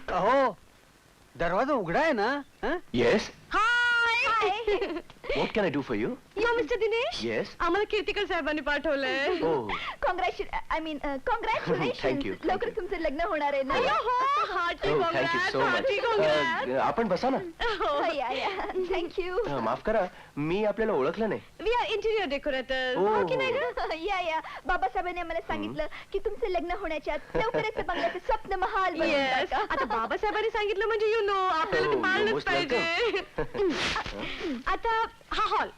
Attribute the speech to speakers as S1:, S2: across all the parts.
S1: अहो दरवाजा उघडा आहे ना?
S2: Yes.
S3: Hi.
S2: What can I do for you?
S3: Yo mister Dinesh.
S2: Yes.
S3: आम्हाला कीर्तिकर साहेबांनी पाठवलंय.
S2: Oh,
S4: congratulations.
S2: Thank you.
S4: लवकर तुमचं लग्न होणार आहे ना?
S3: Hearty
S2: oh, thank you so much. आपण बसा ना.
S4: थँक्यू.
S2: माफ करा, मी आपल्याला ओळखलं नाही.
S3: We are interior decorator.
S2: Oh.
S3: की नाही ग?
S4: या बाबासाहेबांनी आम्हाला सांगितलं की तुमचं लग्न होण्याच्या आत लवकरच बंगल्याचं स्वप्न महाल बनवून
S3: येस.
S4: टाका.
S3: आता बाबासाहेबांनी सांगितलं म्हणजे यू नो आपल्याला ते
S2: Oh,
S3: पाळलंच
S2: most
S3: पाहिजे. आता हा हॉल.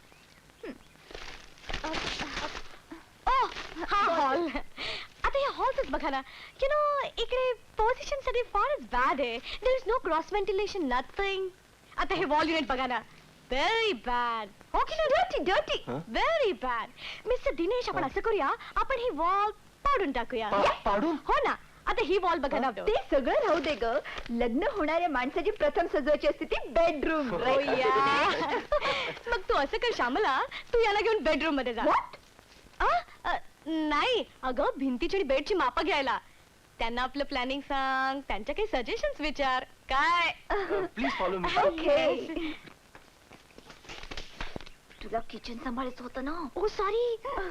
S3: हा हॉल. आता या हॉलच बघा ना. यू नो इकडे पोझिशन सगळी फारच बॅड आहे. There is no cross ventilation nothing. आता हे वॉल युनिट बघा ना. Very bad. हो की नाही? Dirty very bad. Mister Dinesh आपण असं करूया, आपण ही वॉल पाडून टाकूया.
S2: पाडून?
S3: हो ना. आता ही वॉल बघा ना.
S4: ते सगळं राहू दे ग. लग्न होणाऱ्या माणसाची प्रथम सजवायची असते ती बेडरूम.
S3: मग तू असं कर श्यामला, तू याला घेऊन बेडरूम मध्ये जा. नाही अगं, भिंतीची आणि बेडची मापं घ्यायला. त्यांना आपलं प्लॅनिंग सांग, त्यांच्या काही सजेशन्स विचार. काय?
S2: Please follow me.
S4: ओके. तुला किचन सांभाळायचं होतं ना?
S3: ओ सॉरी.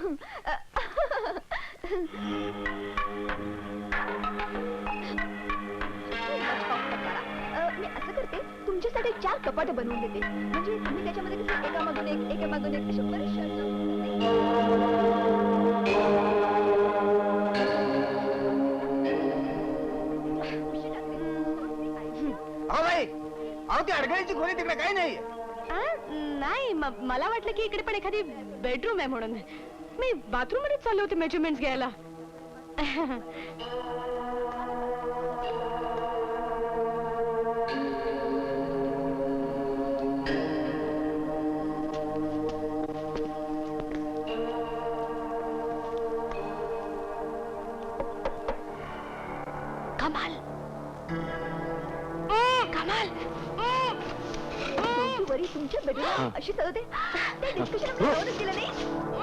S4: मी असं करते, तुमच्यासाठी 4 कपाट बनवून देते. म्हणजे तुम्ही त्याच्यामध्ये कसं एकामागून एक असे
S1: अहो ती अडगळीची खोली तिकडे काही नाही.
S3: नाही मला वाटलं की इकडे पण एखादी बेडरूम आहे म्हणून. मी बाथरूम मध्ये चालले होते मेजरमेंट्स घ्यायला. कमाल. कमाल.
S4: वरी तुमच्या बेडरूम अशी सजवते. ते डिस्कशन केलं नाही.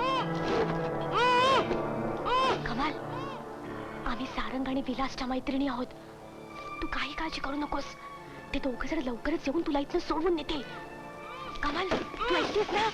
S3: कमाल, आम्ही सारंग आणि विलासच्या मैत्रिणी आहोत. तू काही काळजी करू नकोस. ते दोघं जर लवकरच येऊन तुला इथनं सोडवून नेतील. कमाल, तू ऐकतेस ना?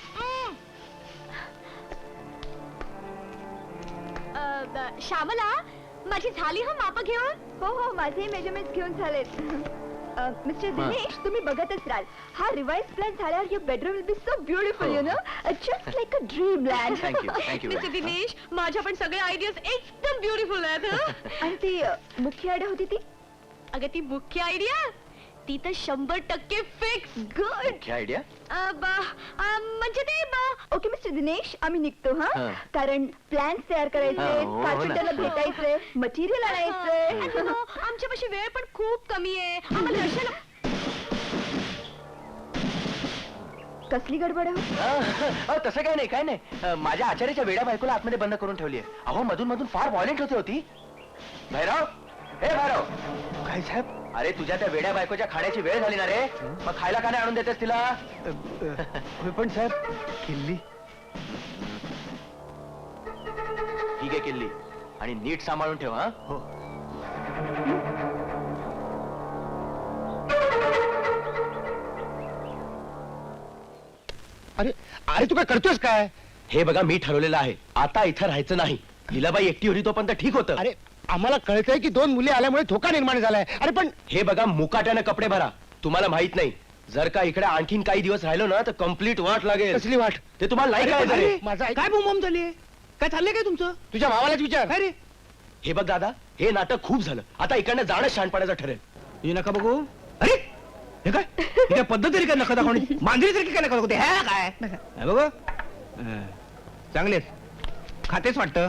S3: श्यामला, माझी झाली हा माप घेऊन?
S4: हो माझे मेजरमेंट घेऊन झालेत. मिस्टर दिनेश, तुम्ही बघतच राहाल. हा रिवाइज प्लॅन झाल्यावर your bedroom will be so beautiful. You know, just like a dream land.
S2: Thank you.
S3: Mister Dinesh, माझ्या पण सगळे आयडियाज एकदम ब्युटिफुल आहेत.
S4: आणि ती मुख्य आयडिया होती ती?
S3: अगं ती मुख्य आयडिया ती तर 100% फिक्स.
S4: Good
S2: idea.
S3: म्हणजे ते
S4: ओके मिस्टर दिनेश, आम्ही निघतो. हा, कारण प्लॅन्स तयार करायचे, कार्पेंटरला भेटायचंय, मटेरियल आणायचंय.
S3: आमच्यापाशी वेळ पण खूप कमी आहे. आम्हाला दर्शन.
S4: कसली गडबड आहे?
S2: तसं काय नाही. माझ्या आचार्याच्या वेड्या बायकोला आतमध्ये बंद करून ठेवली आहे. अहो मधून मधून फार व्हायलेंट होती. भैरव, हे भैरव.
S1: काय साहेब?
S2: अरे तुझ्या त्या वेड्या बायकोच्या खाण्याची वेळ झाली ना रे. मग खायला का नाही आणून देतेस तिला?
S1: पण साहेब किल्ली.
S2: ठीक आहे किल्ली, आणि नीट सांभाळून ठेव. हा
S1: हो. अरे अरे तू काय करतोस काय?
S2: हे बघा, मी ठरवलेलं आहे, आता इथं राहायचं नाही. लीलाबाई एकटी होती तोपर्यंत ठीक होतं.
S1: अरे आम्हाला कळतंय की 2 मुली आल्यामुळे धोका निर्माण झालाय. अरे पण
S2: हे बघा, मुकाट्यानं कपडे भरा. तुम्हाला माहित नाही, जर का इकडे आणखीन काही दिवस राहिलो ना तर कंप्लीट वाट लागेल.
S1: कसली वाट?
S2: ते तुम्हाला नाही कळायचं रे.
S1: माझा
S5: काय बोंबाम झाली? काय चाललंय काय तुमचं?
S1: तुझ्या भावालाच विचार.
S5: काय रे?
S2: हे बघ दादा, हे नाटक खूप झालं. आता इकडनं जाणं शहाणपणाचं ठरेल.
S5: हे नका बघू. अरे हे काय? हे काय पद्धत तरी काय नका दाखवणी? मांजरी तरी काय नका दाखवते? हे काय बघ, चांगले खातेच वाटतं.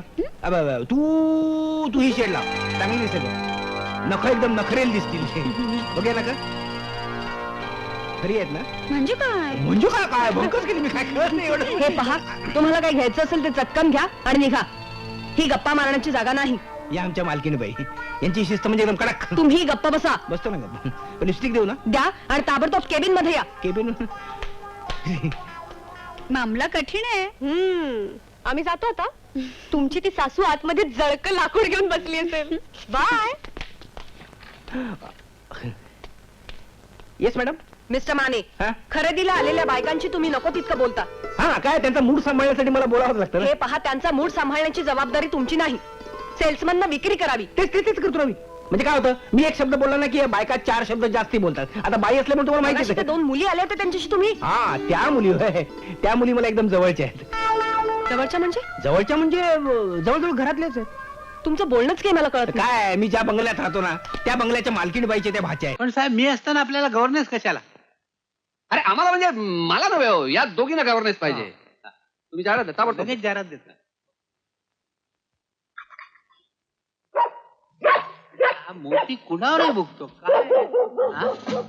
S5: तू ही शेड लाव, चांगली दिसते बघ. नख एकदम नखरेल दिसतील. बघ नका खरी आहेत ना?
S3: म्हणजे काय?
S5: म्हणजे काय? काय भंकच केली मी, काय कळत नाही एवढं.
S3: हे पहा, तुम्हाला काही घ्यायचं असेल ते चटकन घ्या आणि निघा. ही गप्पा मारण्याची जागा नाही.
S5: या आमच्या मालकीने बाई, यांची शिस्त म्हणजे एकदम कडक.
S3: तुम्ही गप्पा बसा.
S5: बसतो ना गप्पा. पण लिपस्टिक देऊ ना?
S3: द्या आणि ताबडतोब केबिन मध्ये या.
S5: केबिन.
S3: मामला कठीण आहे. आम्ही जातो आता. तुमची ती सासू आतमध्ये जळक लाकूड घेऊन बसली असेल. Bye.
S5: Yes madam.
S3: Mister Mane,
S5: हा?
S3: खरेदीला आलेल्या बायकांची तुम्ही नको तितकं बोलता.
S5: हा काय त्यांचा मूड सांभाळण्यासाठी मला बोलावंच लागतं ना.
S3: हे पहा, त्यांचा मूड सांभाळण्याची जबाबदारी तुमची नाही. सेल्समन विक्री करावी.
S5: तेच करतो ना मी. म्हणजे काय होतं, मी एक शब्द बोलला ना की बायका 4 शब्द जास्ती बोलतात. आता बाई असल्यामुळे तुम्हाला
S3: मगाशी
S5: माहिती
S3: त्या 2 मुली आल्या होत्या त्यांच्याशी तुम्ही.
S5: हा त्या मुली होय. त्या मुली मला एकदम जवळच्या आहेत.
S3: जवळच्या म्हणजे
S5: जवळच्या म्हणजे जवळजवळ घरातल्याच आहेत.
S3: तुमचं बोलणंच काही मला कळत नाही.
S5: काय मी ज्या बंगल्यात राहतो ना त्या बंगल्याच्या मालकीण बाईचे त्या भाच्या आहेत.
S6: पण साहेब मी असताना आपल्याला गव्हर्नन्स कशाला?
S7: अरे आम्हाला म्हणजे मला नव्हे हो, या दोघींना गव्हर्नन्स पाहिजे. तुम्ही जाहिरात देता ताबडतोब.
S6: लगेच जाहिरात देतात. हा मोठी कुणावरही भुगतो काय हा?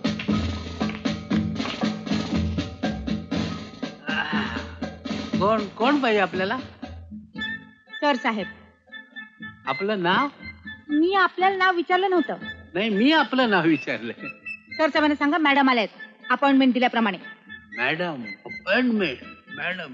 S6: कोण पाहिजे आपल्याला?
S8: सर साहेब,
S6: आपलं नाव?
S8: मी आपल्याला नाव विचारलं नव्हतं.
S6: नाही मी आपलं नाव विचारलंय.
S8: सर साहेबांना सांगा मॅडम आल्यात अपॉइंटमेंट दिल्याप्रमाणे.
S6: Madam appointment madam.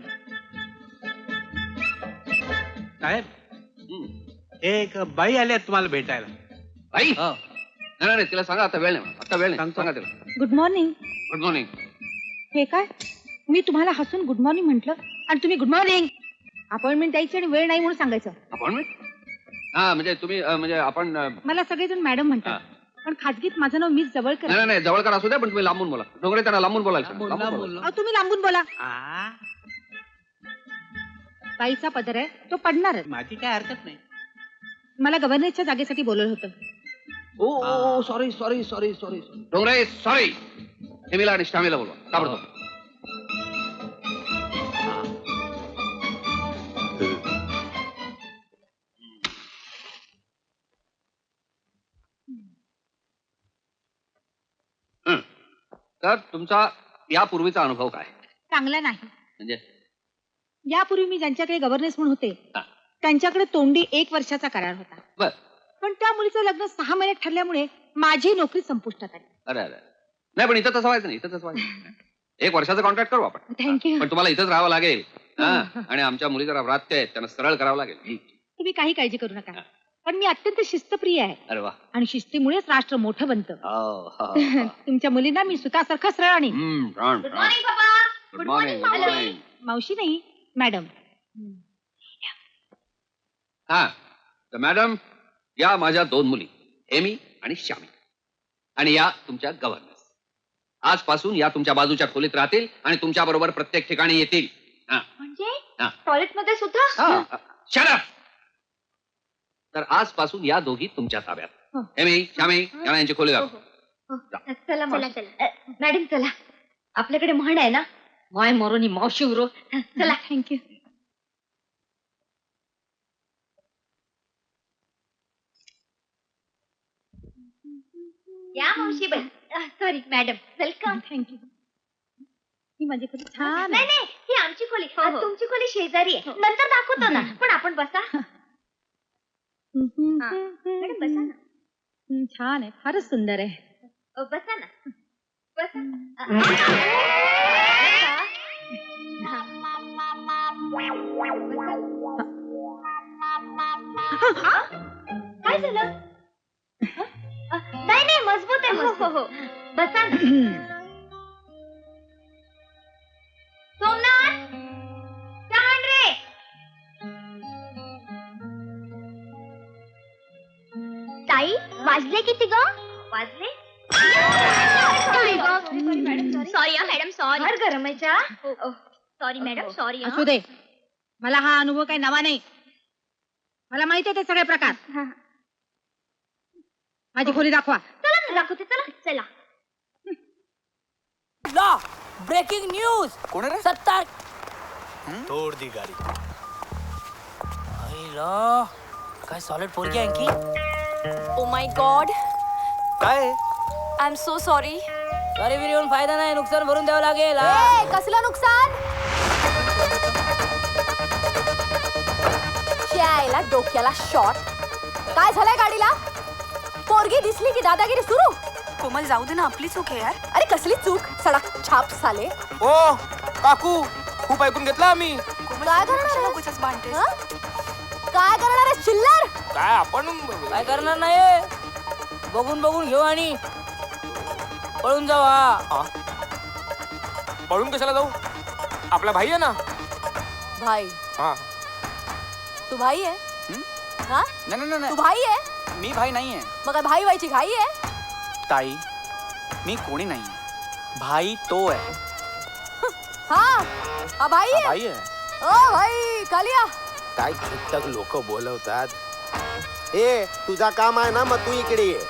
S6: साहेब एक बाई आल्या तुम्हाला भेटायला.
S7: बाई
S6: हो.
S7: नाही नाही तिला सांगा आता वेळ नाही, आता वेळ नाही.
S6: सांगतो.
S7: सांगा तिला.
S8: Good morning.
S7: Good morning.
S8: हे काय, मी तुम्हाला हसून गुड मॉर्निंग म्हटलं आणि तुम्ही गुड मॉर्निंग. अपॉइंटमेंट द्यायची आणि वेळ नाही म्हणून सांगायचं.
S7: अपॉइंटमेंट? हा म्हणजे तुम्ही म्हणजे आपण
S8: मला सगळेजण मॅडम म्हणतात, पण खाजगीत माझं नाव मीच जवळ करा.
S7: नाही नाही जवळकर असू द्या पण तुम्ही लांबून बोला. डोंगरे त्यांना लांबून बोलायला सांगा.
S6: बोलला
S7: लांबून बोला.
S6: बोललो.
S8: अहो, तुम्ही लांबून बोला.
S6: आ,
S8: बाईचा पदर आहे तो पडणारच.
S6: माझी काय हरकत नाही.
S8: मला गव्हर्नरच्या जागेसाठी बोलवलं होतं.
S7: Oh sorry sorry sorry sorry Dongre sorry. हेमीला आणि श्यामीला बोलवा ताबडतोब. तर तुमचा यापूर्वीचा अनुभव काय
S8: चांगला नाही.
S7: म्हणजे?
S8: यापूर्वी मी ज्यांच्याकडे गव्हर्नन्स म्हणून होते
S7: हा.
S8: त्यांच्याकडे तोंडी 1 वर्षाचा करार होता.
S7: बर.
S8: पण त्या मुलीचं लग्न 6 महिन्यात ठरल्यामुळे माझी नोकरी संपुष्टात आली.
S7: अरे अरे नाही पण इथं तसं व्हायचं नाही. इथं तसं व्हायचं 1 वर्षाचा कॉन्ट्रॅक्ट करू आपण.
S8: थँक्यू.
S7: पण तुम्हाला इथंच राहावं लागेल. हा. आणि आमच्या मुली जरा व्रात्य आहेत त्यांना सरळ करावं लागेल.
S8: तुम्ही काही काळजी करू नका. पण मी अत्यंत शिस्तप्रिय आहे
S7: अरे वा.
S8: आणि शिस्तीमुळेच राष्ट्र मोठं बनतं.
S7: हो, हो,
S8: तुमच्या मुलींना मी सुतासारखं सरळ आणि
S7: गुड मॉर्निंग. Good morning.
S8: मावशी नाही मॅडम.
S7: हा तर मॅडम या माझ्या 2 मुली हेमी आणि श्यामी आणि या तुमच्या गव्हर्नन्स. आजपासून या तुमच्या बाजूच्या खोलीत राहतील आणि तुमच्या बरोबर प्रत्येक ठिकाणी येतील.
S4: म्हणजे
S7: हा.
S4: टॉयलेट मध्ये सुद्धा?
S7: Shut up! तर आजपासून या दोघी तुमच्या ताब्यात.
S8: हो.
S7: हेमी श्यामी यांना यांची खोली दाखव.
S4: चला मॅडम चला. आपल्याकडे म्हण आहे ना, माय मोरोनी मावशी उरो. चला.
S8: थँक्यू.
S4: या मावशी बाई. Sorry madam. वेलकम.
S8: थँक्यू. ही माझी खोली छान
S4: नाही
S8: आहे.
S4: नाही ही आमची खोली. तुमची खोली शेजारी आहे. नंतर दाखवतो ना. पण आपण बसा. मॅडम बसा ना.
S8: छान आहे, फारच सुंदर आहे.
S4: बसा ना. बसा. काय झालं? नाही नाही मजबूत आहे. हो हो बसा ना. सोमनाथ चहा आण रे. ताई वाजले किती ग? वाजले? Sorry madam sorry. फार गरम आहे चहा. Sorry madam sorry.
S8: असू दे, मला हा अनुभव काही नवा नाही. मला माहिती आहे ते सगळे प्रकार. माझी खोली दाखवा.
S4: चला ना दाखवते. चला चला.
S9: Law breaking news.
S2: कोण रे?
S9: सत्तार
S2: तोड दी गाडी.
S9: लॉ काय सॉलिड पोरगी आहे की. Oh my god.
S2: काय
S9: I am so sorry. Sorry बिरी येऊन फायदा नाही, नुकसान भरून द्यावं लागेल.
S3: कसलं नुकसान? यायला डोक्याला शॉट. काय झालंय गाडीला? पोरगी दिसली की दादागिरी सुरू.
S9: कोमल जाऊ दे ना, आपली चूक आहे यार.
S3: अरे कसली चूक, सडक छाप साले.
S2: ओ काकू खूप ऐकून घेतलं आम्ही.
S3: काय करणार आहेस?
S9: उगाचच भांडतेस.
S3: हं? काय करणार आहे चिल्लर?
S2: काय आपण
S9: काय करणार नाही, बघून बघून घेऊ आणि पळून जाऊ हा.
S2: पळून कशाला जाऊ? आपला भाई आहे ना.
S9: भाई
S2: हा.
S9: तू भाई आहे हा?
S2: नाही
S9: तू भाई आहे
S2: मी भाई नाहीये
S9: मग काय भाई व्हायची घाई आहे
S2: ताई. मी कोणी नाहीये. भाई तो आहे.
S9: हा हा भाई आहे
S2: भाई आहे.
S9: ओ भाई कालिया
S1: काय छुट्टक लोक बोलवतात. ए तुझा काम आहे ना, मग तू इकडे ये.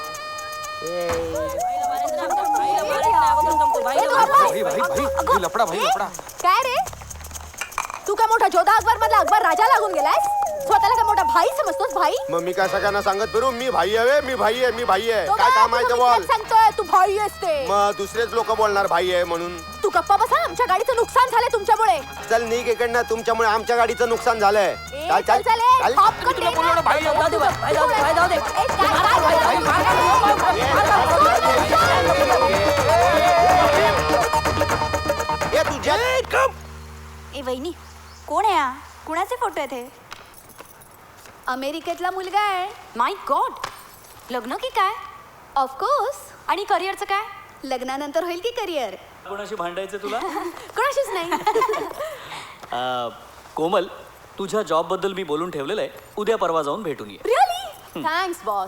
S2: लपडा भाई लपडा.
S9: काय रे तू काय मोठा जोधा अकबर मधला अकबर राजा लागून गेलायस स्वतःला काय मोठा भाई समजतोस भाई
S1: मग मी काय सगळ्यांना सांगत फिरू मी भाई आहे, मी भाई आहे, मी भाई आहे.
S9: तो
S1: काय काम आहे ते बोल.
S9: सांगतोय तू भाई असते
S1: मग दुसरेच लोक बोलणार भाई आहे म्हणून.
S9: तू गप्पा बसा आमच्या गाडीचं नुकसान झालंय तुमच्यामुळे
S1: चल निघ इकडनं, तुमच्यामुळे आमच्या गाडीचं नुकसान झालंय.
S9: ए,
S1: चल चल
S9: चल, ए,
S1: चल.
S9: पॉपकॉर्न दे ना.
S2: भाई
S9: जाऊ दे, भाई, जाऊ दे, भाई, जाऊ दे. ए,
S1: ए तुझ्या
S4: ए वहिनी कोण आहे हा? कुणाचे फोटो आहेत हे?
S3: अमेरिकेतला मुलगा आहे.
S4: माय गॉड, लग्न की काय?
S3: ऑफकोर्स.
S4: आणि करिअरचं काय?
S3: लग्नानंतर होईल की करिअर.
S6: कोणाशी भांडायचं तुला?
S3: कोणाशीच नाही.
S6: कोमल, तुझ्या जॉब बद्दल मी बोलून ठेवलेलं आहे. उद्या परवा जाऊन भेटून ये.
S9: रिअली थँक्स बॉस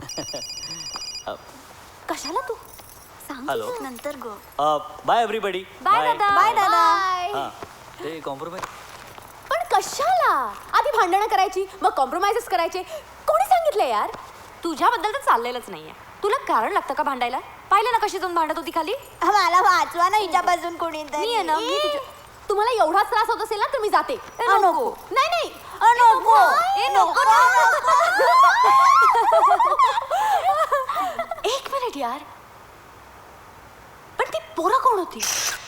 S3: कशाला तू
S6: हॅलो.
S4: नंतर गो.
S6: Bye everybody.
S3: बाय दादा. बाय दादा.
S6: हा ते कॉम्प्रोमाइज.
S9: पण कशाला आधी भांडणं करायची मग कॉम्प्रोमाइजेस करायचे कोणी सांगितलं यार
S4: तुझ्याबद्दल तर चाललेलंच नाहीये. तुला कारण लागतं का भांडायला? पाहिलं ना कशी जाऊन भांडत होती खाली.
S3: मला वाचवा ना हिच्यापासून कोणी
S4: मी आहे ना, मी
S9: तुम्हाला एवढाच त्रास होत असेल ना तर मी जाते
S4: नको.
S9: नाही नाही
S4: नको.
S9: ए, नको.
S4: एक मिनिट यार, पण ती पोरं कोण होती?